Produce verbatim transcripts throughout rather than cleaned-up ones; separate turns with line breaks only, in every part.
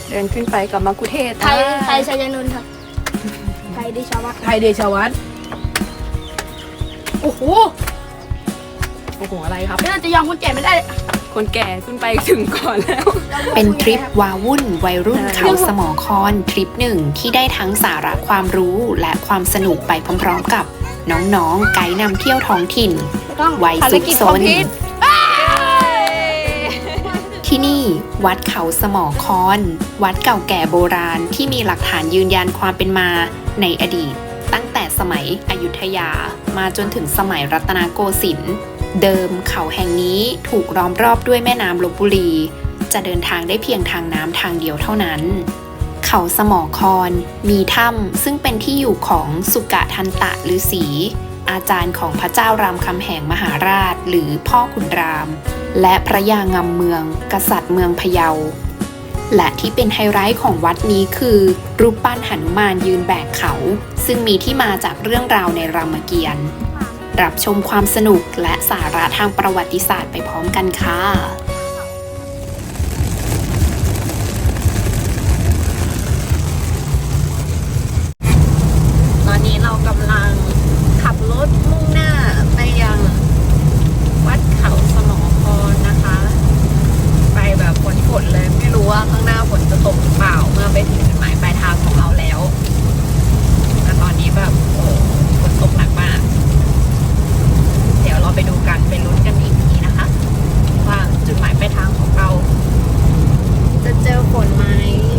เดินขึ้นไปกับมักคุเทศก์
ไทยไทยชัยนนท์ครับไทยเดชวัฒน์
ไทยเดชวัฒน์โอ้โหโอ้โหอะไรครับ
เราจะยอมคนแก่ไม่ได้
คนแก่ขึ้นไปถึงก่อนแล้ว
เป็นทริปวาวุ่นวัยรุ่น
ใช่
เขาสมอคอนทริปหนึ่งที่ได้ทั้งสาระความรู้และความสนุกไปพร้อมๆกับน้องๆไกด์นำเที่ยวท้องถิ่น
ต้อง
วัย
ภาร
ซุก
กิจ
ซ
คอม
น
พลีท
ที่นี่วัดเขาสมอคอน วัดเก่าแก่โบราณที่มีหลักฐานยืนยันความเป็นมาในอดีต ตั้งแต่สมัยอยุธยามาจนถึงสมัยรัตนโกสินทร์เดิมเขาแห่งนี้ถูกล้อมรอบด้วยแม่น้ำลพบุรี จะเดินทางได้เพียงทางน้ำทางเดียวเท่านั้น เขาสมอคอนมีถ้ำซึ่งเป็นที่อยู่ของสุกะทันตะฤาษีอาจารย์ของพระเจ้ารามคำแหงมหาราชหรือพ่อขุนราม และพระยางำเมือง กษัตริย์เมืองพะเยา และที่เป็นไฮไลท์ของวัดนี้คือรูปปั้นหนุมานยืนแบกเขา ซึ่งมีที่มาจากเรื่องราวในรามเกียรติ์รับชมความสนุกและสาระทางประวัติศาสตร์ไปพร้อมกันค่ะ
ตอนนี้เรากำลังขับรถมุ่งหน้าไปยังวัดเขาสมอคอนนะคะ ไปแบบฝนฝนเลยไม่รู้ว่าข้างหน้าฝนจะตกหรือเปล่าเมื่อไปถึงจุดหมายปลายทางของเราแล้วแต่ตอนนี้แบบโอ้ฝนตกหนักมาก เดี๋ยวเราไปดูกันไปลุ้นกันอีกทีนะคะ ว่าจุดหมายปลายทางของเรา จะเจอฝนไหม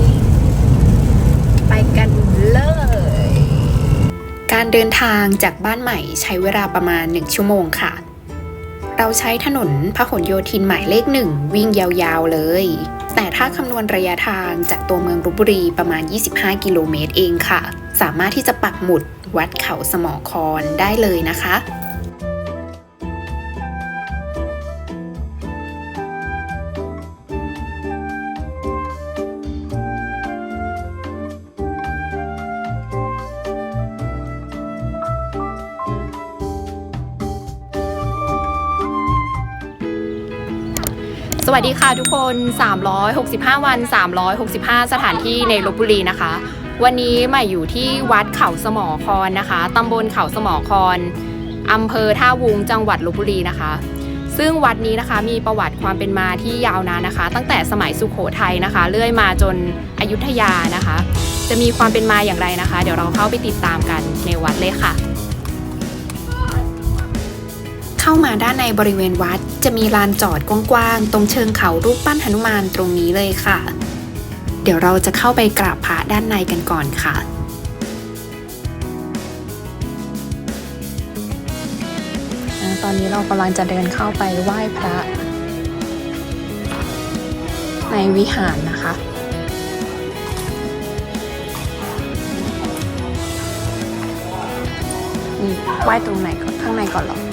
ไปกันเลย
การเดินทางจากบ้านใหม่ใช้เวลาประมาณหนึ่งชั่วโมงค่ะ เราใช้ถนนพหลโยธินหมายเลขหนึ่งวิ่งยาวๆเลย แต่ถ้าคำนวณระยะทางจากตัวเมืองลพบุรีประมาณยี่สิบห้ากิโลเมตรเองค่ะ สามารถที่จะปักหมุดวัดเขาสมอคอนได้เลยนะคะ
สวัสดีค่ะทุกคนสามร้อยหกสิบห้าวันสามร้อยหกสิบห้าสถานที่ในลพบุรีนะคะ วันนี้ใหม่อยู่ที่วัดเขาสมอคอนนะคะตำบลเขาสมอคอนอำเภอท่าวุ้งจังหวัดลพบุรีนะคะ ซึ่งวัดนี้นะคะมีประวัติความเป็นมาที่ยาวนานนะคะ ตั้งแต่สมัยสุโขทัยนะคะเรื่อยมาจนอยุธยานะคะ จะมีความเป็นมาอย่างไรนะคะ เดี๋ยวเราเข้าไปติดตามกันในวัดเลยค่ะ
เข้ามาด้านในบริเวณวัดจะมีลานจอดกว้างๆตรงเชิงเขารูปปั้นหนุมานตรงนี้เลยค่ะ เดี๋ยวเราจะเข้าไปกราบพระด้านในกันก่อนค่ะ
ตอนนี้เรากำลังจะเดินเข้าไปไหว้พระในวิหารนะคะนี่ไหว้ตรงไหนก่อนข้างในก่อนหรอ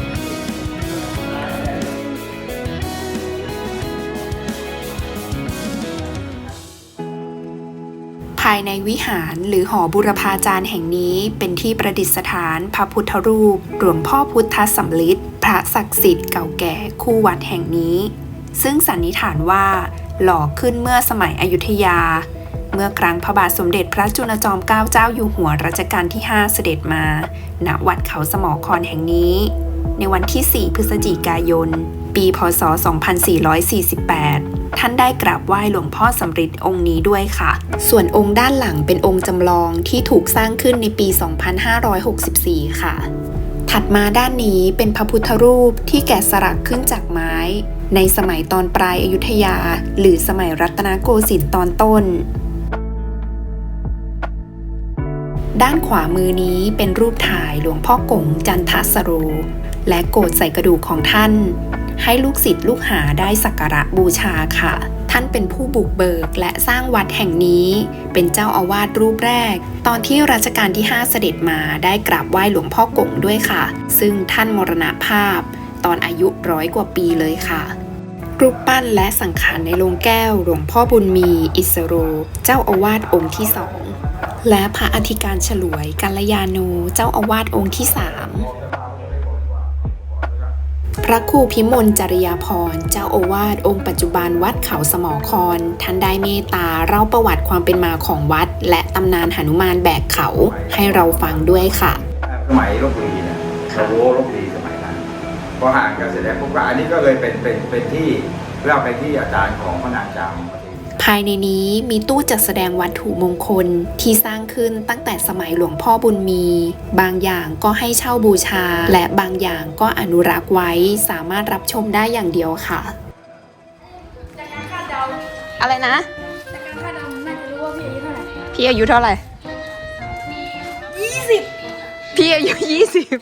ภายในวิหารหรือหอบุรพาจารย์แห่งนี้เป็นที่ประดิษฐานพระพุทธรูปหลวงพ่อพุทธสำริดพระศักดิ์สิทธิ์เก่าแก่คู่วัดแห่งนี้ ซึ่งสันนิษฐานว่าหล่อขึ้นเมื่อสมัยอยุธยา เมื่อครั้งพระบาทสมเด็จพระจุลจอมเกล้าเจ้าอยู่หัวรัชกาลที่ห้าเสด็จมาณวัดเขาสมอคอนแห่งนี้ ในวันที่สี่พฤศจิกายนปีพ.ศ. สองพันสี่ร้อยสี่สิบแปด ท่านได้กราบไหว้หลวงพ่อสำริดองค์นี้ด้วยค่ะ ส่วนองค์ด้านหลังเป็นองค์จำลองที่ถูกสร้างขึ้นในปี สองพันห้าร้อยหกสิบสี่ ค่ะ ถัดมาด้านนี้เป็นพระพุทธรูปที่แกะสลักขึ้นจากไม้ ในสมัยตอนปลายอยุธยาหรือสมัยรัตนโกสินทร์ตอนต้น ด้านขวามือนี้เป็นรูปถ่ายหลวงพ่อกงจันทสโร และโกฐใส่กระดูกของท่าน ให้ลูกศิษย์ลูกหาได้สักการะบูชาค่ะ ท่านเป็นผู้บุกเบิกและสร้างวัดแห่งนี้ เป็นเจ้าอาวาสรูปแรก ตอนที่รัชกาลที่ห้าเสด็จมาได้กราบไหว้หลวงพ่อกงด้วยค่ะ ซึ่งท่านมรณภาพตอนอายุร้อยกว่าปีเลยค่ะ รูปปั้นและสังขารในโลงแก้วหลวงพ่อบุญมีอิสโรเจ้าอาวาสองค์ที่สองและพระอธิการฉลวยกัลยาโนเจ้าอาวาสองค์ที่สามพระครูพิมลจริยาภรณ์เจ้าอาวาสองค์ปัจจุบันวัดเขาสมอครท่านได้เมตตาเล่าประวัติความเป็นมาของวัด และตำนานหนุมานแบกเขาให้เราฟังด้วยค่ะ
สมัยลพบุรีเนี่ยเรารู้ลพบุรีสมัยนั้นพอห่างกันเสร็จแล้วพวกอันนี้ก็เลยเป็นเป็นเป็นที่เราไปที่อาจารย์ของพระนางจาม
ภายในนี้มีตู้จัดแสดงวัตถุมงคลที่สร้างขึ้นตั้งแต่สมัยหลวงพ่อบุญมี บางอย่างก็ให้เช่าบูชา และบางอย่างก็อนุรักษ์ไว้สามารถรับชมได้อย่างเดียวค่ะ
จากการคาดเดา
อะไรนะ
จากการคาดเดาน่าจะรู้ว่าพี่อายุเท่าไหร่
พี่อายุเท่าไหร่ยี่สิบพี่อายุยี่สิบ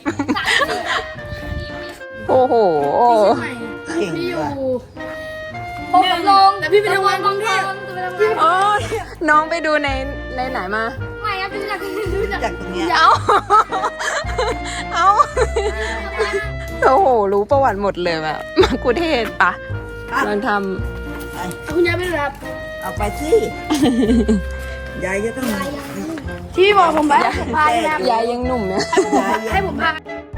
โอ้โห
พี่เชียงใหม่พี่อยู่พบกับลงแต่พี่ไปทำงานกรุงเทพ
โอ้ยน้องไปดูในในไหนมา
ไม่ครับพี่รู้จักรู้จัก
จากตรงเนี้ย
เอาเอาโอ้โห รู้ประวัติหมดเลยแบบมากุเทศปะมันท
คุณยายไม่รับ
เอาไปสิ ยายจะต้อง
ที่พี่บอกผมไปผมพาไปครับ
ำยายยังหนุ่มเนี่ย
ให้ผมพา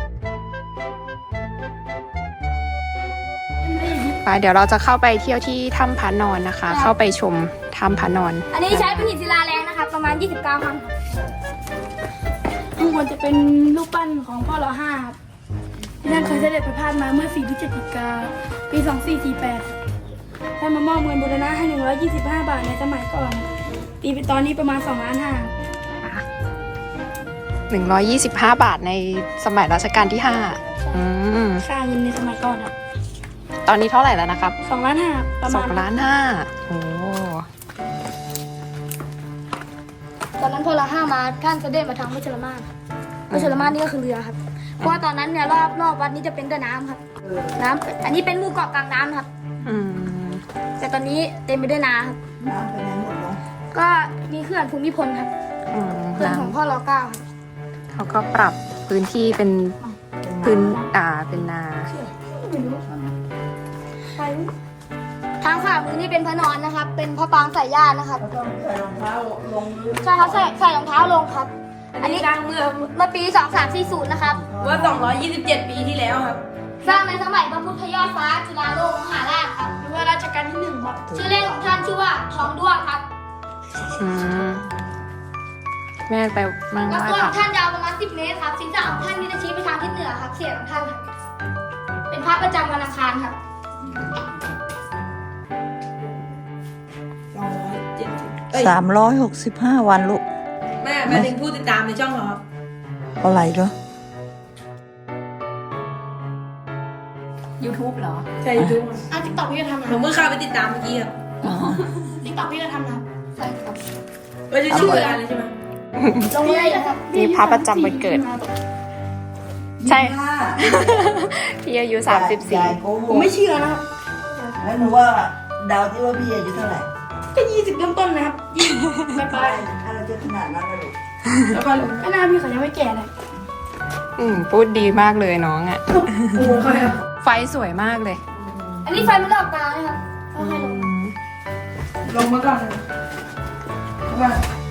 ไปเดี๋ยวเราจะเข้าไปเที่ยวที่ถ้ำพระนอนนะคะ เข้าไปชมถ้ำพระนอน
อันนี้ใช้เป็นหินศิลาแรงนะครับประมาณยี่สิบเก้าครั้งข้างบนจะเป็นรูปปั้นของพ่อรอห้าครับที่ท่านเคยเสด็จประพาสมาเมื่อสี่พฤศจิกาปีสองสี่สี่แปดท่านมามอบเงินบูรณะให้หนึ่งร้อยยี่สิบห้าบาทในสมัยก่อนตีไปตอนนี้ประมาณสองล้านห้า
หนึ่งร้อยยี่สิบห้าบาทในสมัยรัชกาลที่ห้าอืม
ค่าเงินในสมัยก่อนครับ
ตอนนี้เท่าไหร่แล้วนะครับ
สองล้านห้าประ
ส
มา
อ
ณ
งล้านห้าโอ้
ตอนนั้นพอเราห้ามาท่านเสด็จมาทางวัชรมาศวัชรมาศนี่ก็คือเรือครับ เพราะว่าตอนนั้นเนี่ยรอบรอบวัดนี้จะเป็นแต่น้ำครับ น้ำอันนี้เป็นหมู่เกาะกลางน้ำครับ
อืม
แต่ตอนนี้เต็มไปด้วยน้ำครับ
น้ำไปไหนหมดแล้ว
ก็มีเขื่อนภูมิพลครับ
อืม
เขื่อนของ
น้ำ
พ่อรอเก้าครับ
เขาก็ปรับพื้นที่เป็นพื้นอ่าเป็นนา
ทางขวามือนี่เป็นพระนอนนะครับ เป็นพระปรางสายญาตินะครับ
ต้องใส่รองเท้าลงลึก
ใช่ครับใส่ใส่รองเท้าลงครับ อันนี้
สร้างเมื่อ
เมื่อปีสองสามสี่ศูนย์นะครับ
เมื่อสองร้อยยี่สิบเจ็ดปีที่แล้วครับ
สร้างในสมัยพระพุทธยอดฟ้าจุฬาโลกมหาราชครับหรือว่ารัชกาลที่หนึ่งครับ ชื่อเล่นของท่านชื่อว่าทองด้วงครับ
อืมแม่ไปมั่ง
แล้ว
ไหว้
ตัว
พ
ข
ระ
องท่านยาวประมาณสิบเมตรครับศีรษะของท่านนี่จะชี้ไปทางทิศเหนือครับเสียงของท่านครับเป็นพระประจำวันอังคารครับ
สามร้อยหกสิบห้าวันลูก
แม่แม่ถึงผู้ติดตามในช่องเหรอครับ
เท่าไหร่ก็
YouTube เหรอ
ใช่ยูทูบ
อ่ะติ๊กต็อกพี่จะทำนะ
ผมเพิ่งเข้าไปติดตามเมื่อกี้ครับ
อ๋อ
ติ๊กต็อกพี่จะทำนะใช่ครับ
ไม่ใช่ชื่ออะไรเลยใช่ไหม
ลงเลยนะครับ
มีพระประจำวันเกิด ใช่ พี่อายุสามสิบสี่
ยายโกห
ผม
ก
ไม่เชื่อนะครับ
แล้วหนูว่าเดาวที่ว่าพี่อายุเท่าไหร่
ก็ยี่สิบต้นต้นๆนะครับยี่ไม่ไป
ถ้าเราจะขนาดนั้นนะลูก
แล้วก็
ก็น่าพี่เขายังไม่แก่เลย
อืมพูดดีมากเลยน้องอ่ะ
โอ้ใครครับ
ไฟสวยมากเลย
อันนี้ไฟไม่ได้ออกกลางนะครับเขาให้ลง
ลงมาก่อนเลยว่า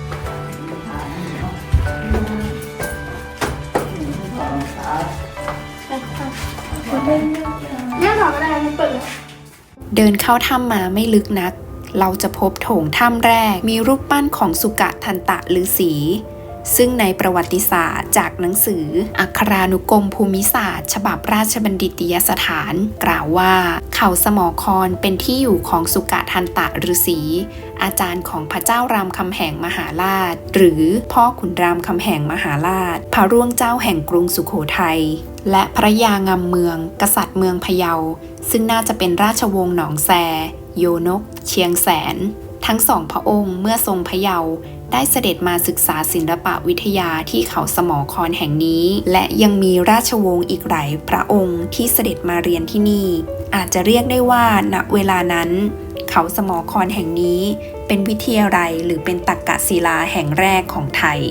เนี่ยถอดก็ได้มันเปิดเลย
เดินเข้าถ้ำมาไม่ลึกนัก เราจะพบโถงถ้ำแรกมีรูปปั้นของสุกะทันตะฤาษีซึ่งในประวัติศาสตร์จากหนังสือ อัครานุกรมภูมิศาสตร์ ฉบับราชบัณฑิตยสถาน กล่าวว่า เขาสมอครเป็นที่อยู่ของสุกะทันตะฤาษีอาจารย์ของพระเจ้ารามคำแหงมหาราช หรือพ่อขุนรามคำแหงมหาราช พระร่วงเจ้าแห่งกรุงสุโขทัยและพระยางำเมือง กษัตริย์เมืองพะเยาซึ่งน่าจะเป็นราชวงศ์หนองแซ โยนก เชียงแสน ทั้งสองพระองค์เมื่อทรงพะเยาได้เสด็จมาศึกษาศิลปวิทยาที่เขาสมอครแห่งนี้ และยังมีราชวงศ์อีกหลายพระองค์ที่เสด็จมาเรียนที่นี่ อาจจะเรียกได้ว่าณเวลานั้น เขาสมอครแห่งนี้เป็นวิทยาลัยหรือเป็นตักกศิลาแห่งแรกของไทย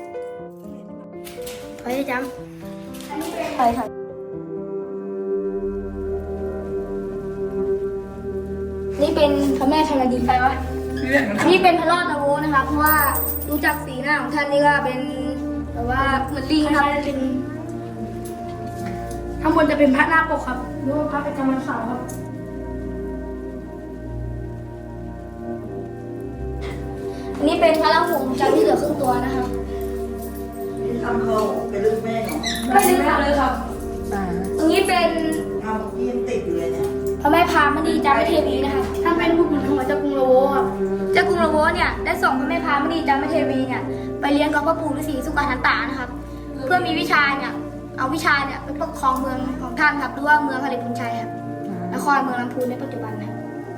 ไปจำไปค่ะนี่เป็นพระแม่ธรณีไปวะนี่เป็นพระรอดนโวนะครับ เพราะว่าดูจากสีหน้าของท่านนี่ก็เป็นแบบว่าเหมือนลิงครับลิงข้างบนจะเป็นพระหน้าปกครับหรือว่าพระประจำวันเสาร์ครับอันนี้เป็นพระราหูจำที่เหลือครึ่งตัวนะครับ
นี่ทำเขาเป็นลูกแม่เหรอ
ไม่ได้ทำเลยครับตรงนี้เป็น
ทำที่ยังติดอยู่เลยเนี่ย
พระแม่พามณีจามเทวีนะคะท่านเป็นผู้ขุนของเจ้ากรุงโลโวครับเจ้ากรุงโลโวเนี่ยได้ส่งพระแม่พามณีจามเทวีเนี่ยไปเลี้ยงกับพระปู่ฤาษีสุกาทันตานะครับ เพื่อมีวิชาเนี่ยเอาวิชาเนี่ยไปปกครองเมืองของท่านครับหรือว่าเมืองฮาริพุนชัยครับนครเมืองลำพูนในปัจจุบันนะครับ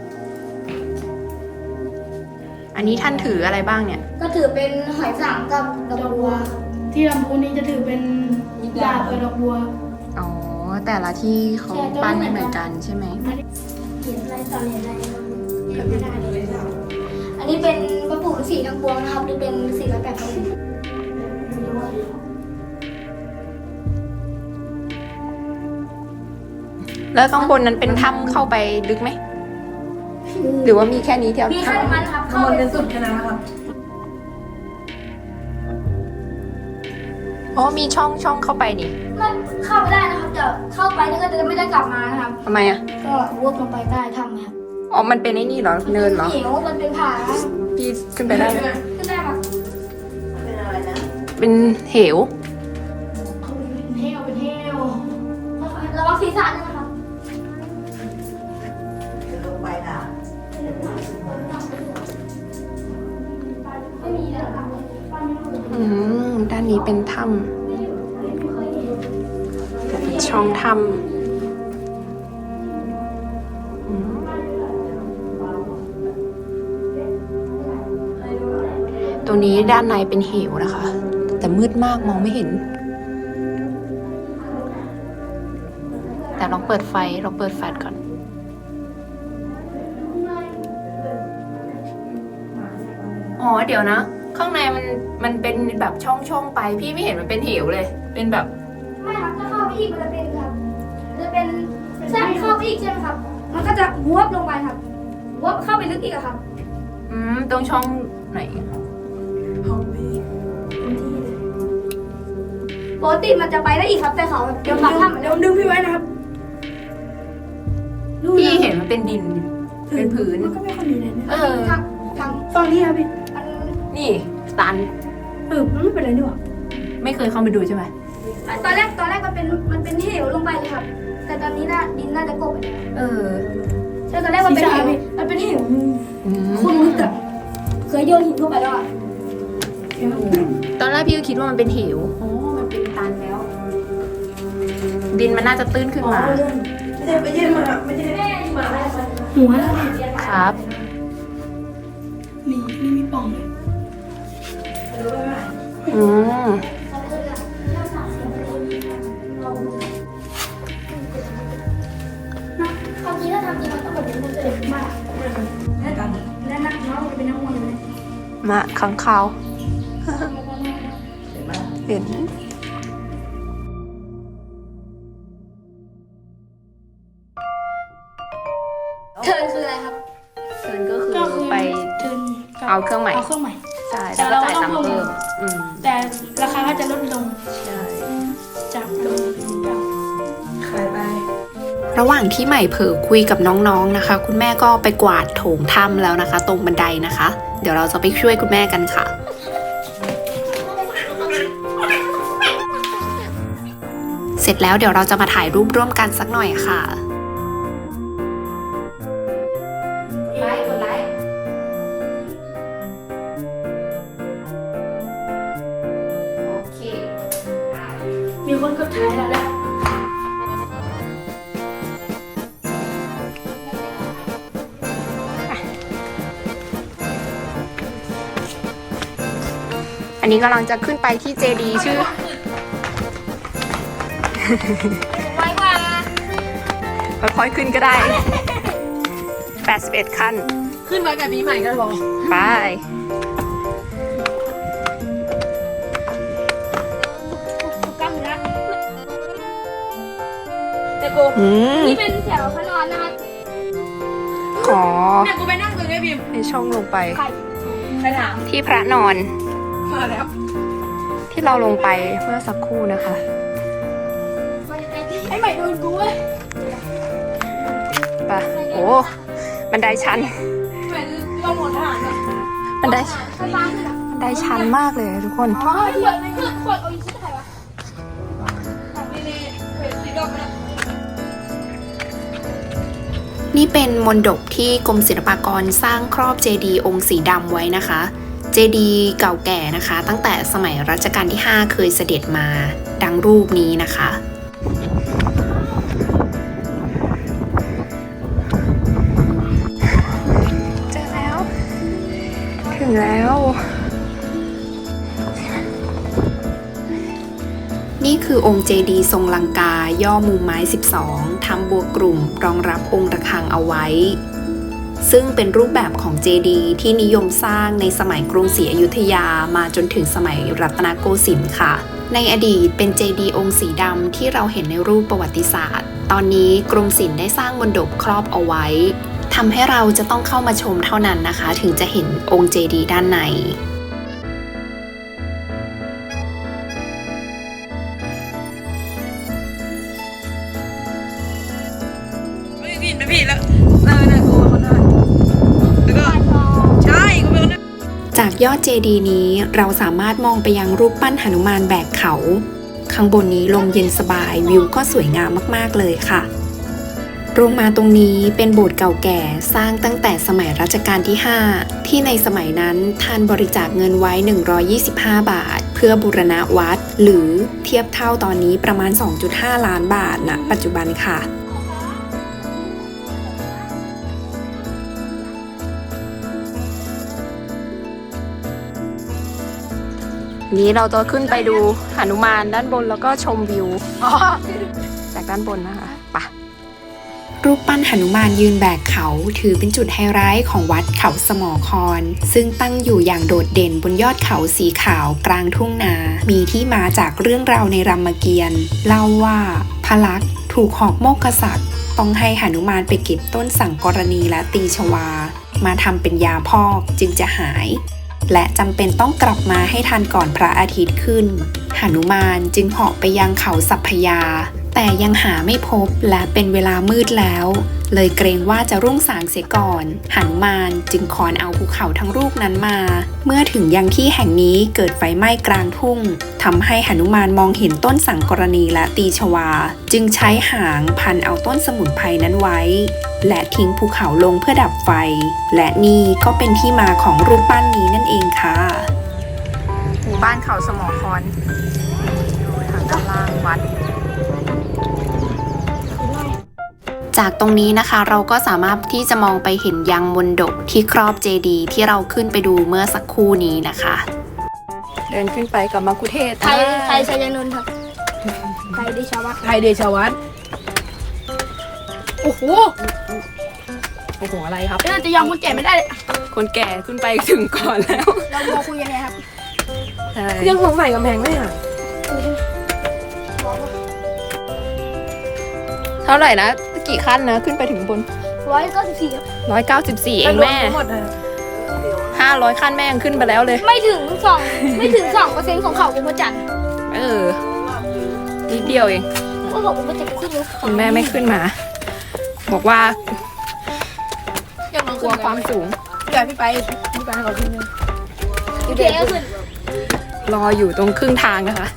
อันนี้ท่านถืออะไรบ้างเนี่ย
ก็ถือเป็นหอยสังกับดอกบัว ที่ลำพูนนี้จะถือเป็นดาบกับดอกบัว
อ๋อ แต่ละที่เขาปั้นไม่เหมือนกันใช่ไหม
เหรียญอะไรต่อเหรียญอะไรจำไม่ได้เลยอันนี้เป็นพระปู่ฤาษีทั้งปวงนะครับหรือเป็นฤาษีร้อยแปดพระองค์
แล้วข้างบนนั้นเป็นถ้ำเข้าไปลึกไหม หรือว่ามีแค่นี้เดียว
มีแค่นั้นครับ
ข้าง
เข้า
บน
ไป
เป็นสุดแค่นั้นนะครับ
อ๋อ มีช่องช่องเข้าไปนี่
ไม่เข้าไปได้นะครับแต่เข้าไปแล้วก็จะไม่ได้กลับมานะครับ
ทำไมอ่ะ
ก็วกลงไปใต้ถ้ำครับ
อ๋อ มันเป็นไอ้นี่เหรอ เนินเหรอ
เหวมันเป็นผา
พี่ขึ้นไปได้ไหม
ขึ้นได้ครับ
เป็นอะไรนะ
เป็นเหว
เป็นเฮวเป็นเฮวระวังศีรษะด้วยนะครับ
จะลงไปนะ
ไม่มีแล้วครับ
อืม ด้านนี้เป็นถ้ำเป็นช่องถ้ำอืมตรงนี้ด้านในเป็นเหวนะคะ แต่มืดมากมองไม่เห็น แต่ลองเปิดไฟลองเปิดแฟลชก่อน อ๋อ เดี๋ยวนะ ข้างในมันมันเป็นแบบช่องช่องไป พี่ไม่เห็นมันเป็นเหวเลย เป็นแบบ
ไม่ครับถ้าเข้าไปอีกมันจะเป็นครับจะเป็นใช่เข้าไปอีกใช่ไหมครับ มันก็จะวบลงไปครับวบเข้าไปลึกอีกอะครับ
อืม ตรงช่องไหน
ปกติมันจะไปได้อีกครับแต่เขาแบบเดี๋ยวปักถ้ำเดี๋ยวดึงพี่ไว้นะครับ
พี่เห็นมันเป็นดิน เป็นผืน
มันก็ไม่ค่อยมีเลยนะ
เออ
ทางทาง
ฝั่งนี้ครับพี่
มัน
นี่ตัน
เออมันไม่เป็นไรนี่หว่า
ไม่เคยเข้าไปดูใช่ไหม
ตอนแรกตอนแรกมันเป็นมันเป็นเหวลงไปเลยครับ แต่ตอนนี้น่าดินน่าจะกบไปแล้ว
เออ
ใช่ตอนแรกมันเป็นเหวมันเป็นเหว
อืม
คุณลึกอะเคยโยนหินเข้าไปแล้วอะ
ตอนแรกพี่ก็คิดว่ามันเป็นเหวอ๋อ มันเป็นตันแล้ว ดินมันน่าจะตื้นขึ้นมา
ไม่ใช่ไม่ใช่มาไม่ใช่
แม่มาแล้ว
หัวแล้ว
ครับ
มีนี่มีป่องเลย
อืม
ความจริงถ้าทำจริงมันต้องแบบนี้มันจะเด็ดมาก
แน่กัน
และนักน้องจะเป็นนักมวยเลย
มาขังขาว เห็น
เทิร์นคืออะไรครับ
เทิร์นก็คือไป
เทิร์น
เอาเครื่องใหม่
เอาเครื่องใหม่
ใช่
แต่
แล้วก็
เรา
จ่าย
ก็ต้อง
ตังค์
เพิ่
เพิ่
ม
มอืม
แต่ราคาก็จะลดลง
ใช่
จากลงเก่า
ขายไป
ระหว่างที่ใหม่เผลอคุยกับน้องๆนะคะ คุณแม่ก็ไปกวาดโถงถ้ำแล้วนะคะ ตรงบันไดนะคะ เดี๋ยวเราจะไปช่วยคุณแม่กันค่ะ เสร็จแล้วเดี๋ยวเราจะมาถ่ายรูปร่วมกันสักหน่อยค่ะไลค์กดไลค์โอเค
มีคนกดถ่ายแล้วแหละ
อันนี้กำลังจะขึ้นไปที่เจดีย์ชื่อ
ไว้ว่า
ค่อยๆขึ้นก็ได้ แปดสิบเอ็ดขั้น
ขึ้นมากับปีใหม่กันหรอ
ไป
กล้ามเนื้อ
แต่กู
อืม
นี่เป็นแถวพระนอนนะคะ
อ๋อ
เนี่ยกูไปนั่งตรงนี้พิมพ์
ในช่องลงไป
ไข่
ใครถาม
ที่พระนอน
มาแล้ว
ที่เราลงไปเมื่อสักครู่นะคะ
ไอ้ใหม่ม่โดนกูเว้ย
ไปโอ้บันไดชัน
เหมือนเราหมดทหารอะ
บันได
สตาร์ทอะ
บันไดชันมากเลยทุกคน
อ๋อขวดไม่ขึ้นขวดเอาอีกชิ้นใครวะของนี่นี่เห็นสีดำนะ
นี่เป็นมณฑปที่กรมศิลปากรสร้างครอบเจดีย์องค์สีดำไว้นะคะ เจดีย์เก่าแก่นะคะ ตั้งแต่สมัยรัชกาลที่ห้าเคยเสด็จมาดังรูปนี้นะคะ
เจอแล้ว ถึงแล้ว
นี่คือองค์เจดีย์ทรงลังกาย่อมุมไม้สิบสองทำบัวกลุ่มรองรับองค์ระฆังเอาไว้ ซึ่งเป็นรูปแบบของเจดีย์ที่นิยมสร้างในสมัยกรุงศรีอยุธยามาจนถึงสมัยรัตนโกสินทร์ค่ะ ในอดีตเป็นเจดีย์องค์สีดำที่เราเห็นในรูปประวัติศาสตร์ ตอนนี้กรมศิลป์ได้สร้างมณฑปครอบเอาไว้ทำให้เราจะต้องเข้ามาชมเท่านั้นนะคะ ถึงจะเห็นองค์เจดีย์ด้านใน
ไม่ผิดไม่ผิดแล้วเออเนี่ยตัวเขาได้แล้วก็ใช่ก็เป็นคนนั้น
จากยอดเจดีย์นี้เราสามารถมองไปยังรูปปั้นหนุมานแบกเขา ข้างบนนี้ลมเย็นสบายวิวก็สวยงามมากๆเลยค่ะลงมาตรงนี้เป็นโบสถ์เก่าแก่สร้างตั้งแต่สมัยรัชกาลที่ห้าที่ในสมัยนั้นท่านบริจาคเงินไว้หนึ่งร้อยยี่สิบห้าบาท เพื่อบูรณะวัด หรือเทียบเท่าตอนนี้ประมาณ สองจุดห้า ล้านบาทณปัจจุบันค่ะ
นี้เราจะขึ้นไปดูหนุมานด้านบนแล้วก็ชมวิว
อ๋อ
จากด้านบนนะคะไป
รูปปั้นหนุมานยืนแบกเขาถือเป็นจุดไฮไลท์ของวัดเขาสมอคร ซึ่งตั้งอยู่อย่างโดดเด่นบนยอดเขาสีขาวกลางทุ่งนา มีที่มาจากเรื่องราวในรามเกียรติ์เล่าว่าพระลักษมณ์ถูกหอกโมกขษัตริย์ต้องให้หนุมานไปเก็บต้นสังกรณีและตีชวา มาทำเป็นยาพอกจึงจะหาย และจำเป็นต้องกลับมาให้ทันก่อนพระอาทิตย์ขึ้นหนุมานจึงเหาะไปยังเขาสัพพยา แต่ยังหาไม่พบและเป็นเวลามืดแล้ว เลยเกรงว่าจะรุ่งสางเสียก่อนหนุมานจึงขอนเอาภูเขาทั้งลูกนั้นมา เมื่อถึงยังที่แห่งนี้เกิดไฟไหม้กลางทุ่งทำให้หนุมานมองเห็นต้นสังกรณีและตีชวา จึงใช้หางพันเอาต้นสมุนไพรนั้นไว้ และทิ้งภูเขาลงเพื่อดับไฟ และนี่ก็เป็นที่มาของรูปปั้นนี้นั่นเองค่ะ
หมู่บ้านเขาสมอครดูทางด้านล่างวัด
จากตรงนี้นะคะเราก็สามารถที่จะมองไปเห็นยังมณฑปที่ครอบเจดีย์ที่เราขึ้นไปดูเมื่อสักครู่นี้นะคะ
เดินขึ้นไปกับมัคคุเทศก์
ไทยไทยชัยนนท์ครับไทยเดชาวัฒน์
ไทยเดชวัฒน์
โอ้โห
โอ้โหอะไรครับ
เราจะยอมคนแก่ไม่ได้เลย
คนแก่ขึ้นไปถึงก่อนแล้ว
เราโมคุยยังไงครับ
ใช่
ยังสงสัยกำแพงไหมอ่ะ
เท่าไหร่นะกี่ขั้นนะขึ้นไปถึงบน
ร้อยเก้าสิบสี่ครับ
ร้อยเก้าสิบสี่เองแม่
ทั้งหมดอ่ะ
ห้าร้อยขั้นแม่ยังขึ้นไปแล้วเลย
ไม่ถึงสองไม่ถึงสองเปอร์เซ็นต์ของเขาองค์พระจันทร์
เออนิดเดียวเอง
ก็บอกองค์พระจันทร์ขึ้นรู้
คุณแม่ไม่ขึ้นมา บอกว่า
ยังลอง
กลัวความสูง
เดี๋ยวพี่ไปพี่ไปให้เราขึ้นเลย
อยู่เทก็ขึ้น
รออยู่ตรงครึ่งทางนะคะ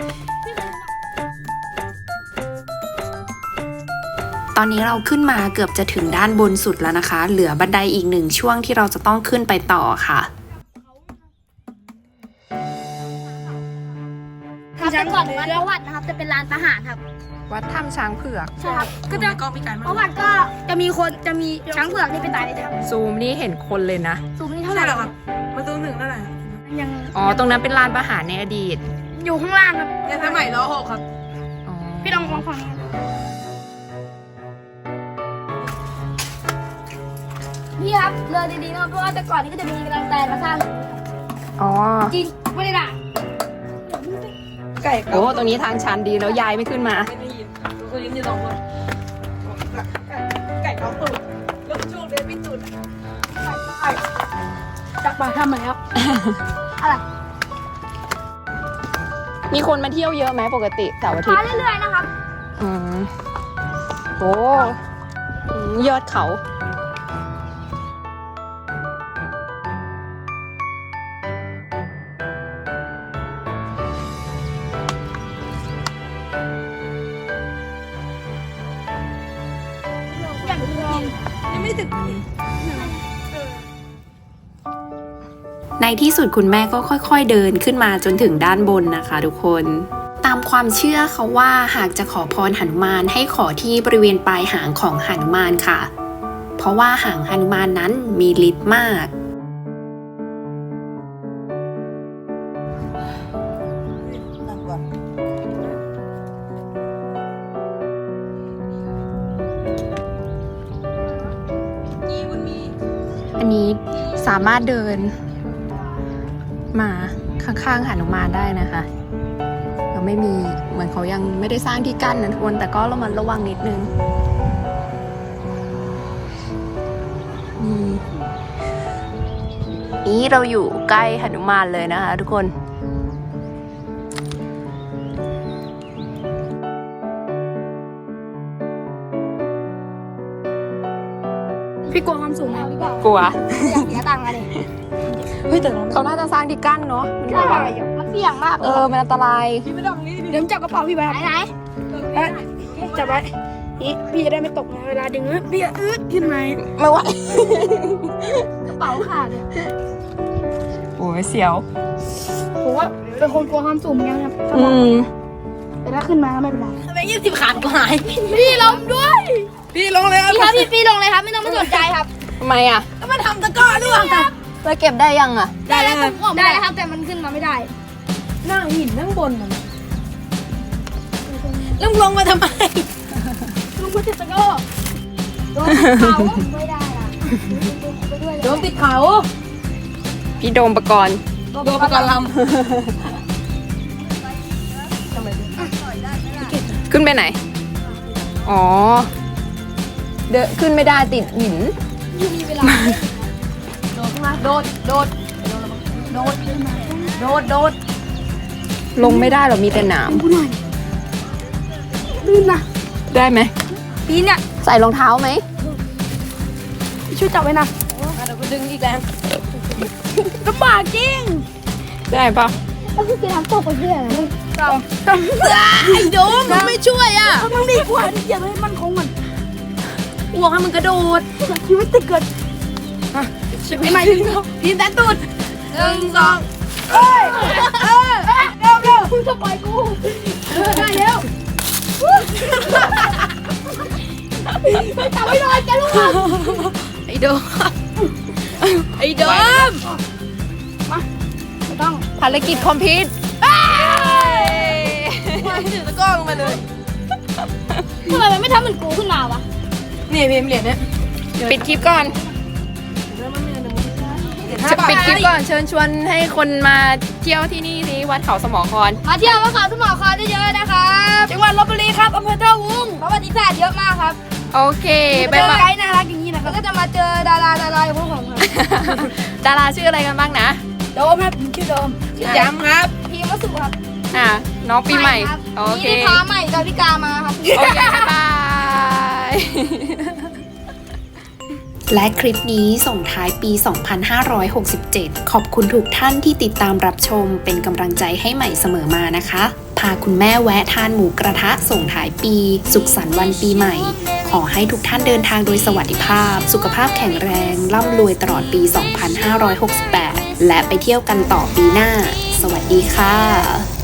ตอนนี้เราขึ้นมาเกือบจะถึงด้านบนสุดแล้วนะคะ เหลือบันไดอีกหนึ่งช่วงที่เราจะต้องขึ้นไปต่อค่ะ
ครับแต่ก่อนวัดประวัตินะครับจะเป็นลานทหารครับ
วัดถ้ำช้างเผือก
ใช่ครับก็จะ
กองมีการ
ประวัติก็จะมีคนจะมีช้างเผือกที่ไปตายในถ้ำ
ซูมนี่เห็นคนเลยนะ
สูงนี่เท่าไห
ใช่
ร่
เหรอครับประตูหนึ่งนั่นแหละ
ยัง
อ๋อ ตรงนั้นเป็นลานประหารในอดีต
อยู่ข้างล่างครับ
ในสมัยรหกครับ
อ๋อ
พี่ลองลองฟังนะครับพี่ครับเรือดีๆนะครับเพราะว่าแต่ก่อนนี้ก็จะมีกำลังแตนมาสร้าง
อ๋อ
จริงไม่ได้ด่า
ไก่
โอ้ตรงนี้ทางชันดีแล้วยายไม่ขึ้นมา
ไม่ได้ยินตัวนี้นี่ลองว่าไก่ท้องตูดแล้วช่วงเดินไม่ตูด
จากปากถ้ำมาแล้ว อะไร
มีคนมาเที่ยวเยอะไหมปกติเสาร์อาทิต
มา
ย์
เรื่อยๆนะครับ
อืมโอ้อืมยอดเขา
ยังไม่ถึง
ในที่สุดคุณแม่ก็ค่อยๆเดินขึ้นมาจนถึงด้านบนนะคะทุกคน ตามความเชื่อเขาว่าหากจะขอพรหนุมานให้ขอที่บริเวณปลายหางของหนุมานค่ะ เพราะว่าหางหนุมานนั้นมีฤทธิ์มาก
นั่งก่อน
กี่มันมี
อันนี้สามารถเดินมาข้างๆหนุมานได้นะคะยังไม่มีเหมือนเขายังไม่ได้สร้างที่กั้นนะทุกคนแต่ก็ระมัดระวังนิดนึงนี่นี่เราอยู่ใกล้หนุมานเลยนะคะทุกคน
พี่กลัวความสูงไหมพี่บอก
กลัว
อยากเสียตังค์อะไร
เฮ้ยแต่เขาน่าจะสร้างที่กั้นเนาะมัน
ใช่
แบบว่า
มันเสี่ยงมาก
เออมันอันตราย
พี่ไม่ต้องนี่
เดี๋ยวจับกระเป๋าพี่ไปไหนไหนจับไว้นี่พี่จะได้ไม่ตกไงเวลาดึงเอ้ยพี่จะอึดขึ้นไหม
ไม่ไหว
กระเป๋าขาดเลย
โอ้ยเสียว
ผมว่าเป็นคนกลัวความสูงเหมือนกันครับ
อืม
แต่ถ้าขึ้นมาก็ไม่เป็นไร
แบงค์ยี่สิบขาดก็หาย
พี่ลงด้วย
พี่ลงเลยครับ
พี่ครับพี่พี่ลงเลยครับไม่ต้องมาสนใจครับ
ทำไมอ่ะ
แล้วมาทำตะกร้อด้วย
แล้วเก็บได้ยังอ่ะ
ได้แล้วครับ
ได้ครับแต่มันขึ้นมาไม่ได้
นั่งหินนั่งบนมันแล้วลงมาทำไม
ลุงพุทธตะโก้โดนเขาไม่ได้อ่ะไปด้วย
โดนปิดเขา
พี่โดมประกรณ์
โดนประกันล
ขึ้นไปไหน อ๋อ เดินขึ้นไม่ได้ติดหิน
อยู่มีเวลา
ำโดดขึ้นมาโดดโดดโดดโดดโดด
ลงไม่ได้หรอกมีแต่หนาม
พูดหน่อยลื่นนะ
ได้ไหม
ปีนเนี่ย
ใส่รองเท้าไหม
ช่วยจับไว้นะ
เดี๋ยวกูดึงอีกแล้ว
ลำบากจริง
ได้ปะ
แล้วคือกินน้ำตกไปเรื่อยนะ
ไอ้โดมมันไม่ช่วยอ่ะ
มันดีกว่าที่จะให้มันคงมัน
อ้วกให้มันกระโดด
ชีวิตติดเกิด
ไม่ไม่พีนแต่ตูดหนึ่งสอง
เอ้ยเออเร็วเร็วคุณจะปล่อยกูเออได้แล้วไปจับไว้หน่อยแกลูก
ไอ้โดมไอ้โดม
ไม่ต้อง
ภารกิจคอมพิวต์
มาถือตะกร้อลงมาเลย
ทำไมมันไม่ทำเหมือนกูขึ้นมาวะ
นี่พิมพ์เหรียญเนี่ย
ปิดคลิปก่อน จะปิดคลิปก่อนเชิญชวนให้คนมาเที่ยวที่นี่สิวัดเขาสมอคร
มาเที่ยวมาขาวทุ่งหมอคอเยอะๆนะครับจังหวัดลบบุรีครับอำเภอท่าวุ้งประวัติศาสตร์เยอะมากครับ
โอเค
เจ
บ๊ายาย
อบไกด์น่ารักอย่างนี้นะครับก็จะมาเจอดาราดาราอย่างพวกผมครับ
ดาราชื่ออะไรกันบ้างนะ
โดมครับผมชื่อโดม
ย้ำครับ
พีมวสุครับ
อ่ะ น้องปีใหม่
ครับ
โอเค
นี่พาใหม่ดาวิกามาครับ
โอเค บ๊ายบาย
และคลิปนี้ส่งท้ายปี สองพันห้าร้อยหกสิบเจ็ด ขอบคุณทุกท่านที่ติดตามรับชมเป็นกำลังใจให้ใหม่เสมอมานะคะ พาคุณแม่แวะทานหมูกระทะส่งท้ายปี สุขสันต์วันปีใหม่ ขอให้ทุกท่านเดินทางโดยสวัสดิภาพ สุขภาพแข็งแรง ร่ำรวยตลอดปี สองพันห้าร้อยหกสิบแปด และไปเที่ยวกันต่อปีหน้า สวัสดีค่ะ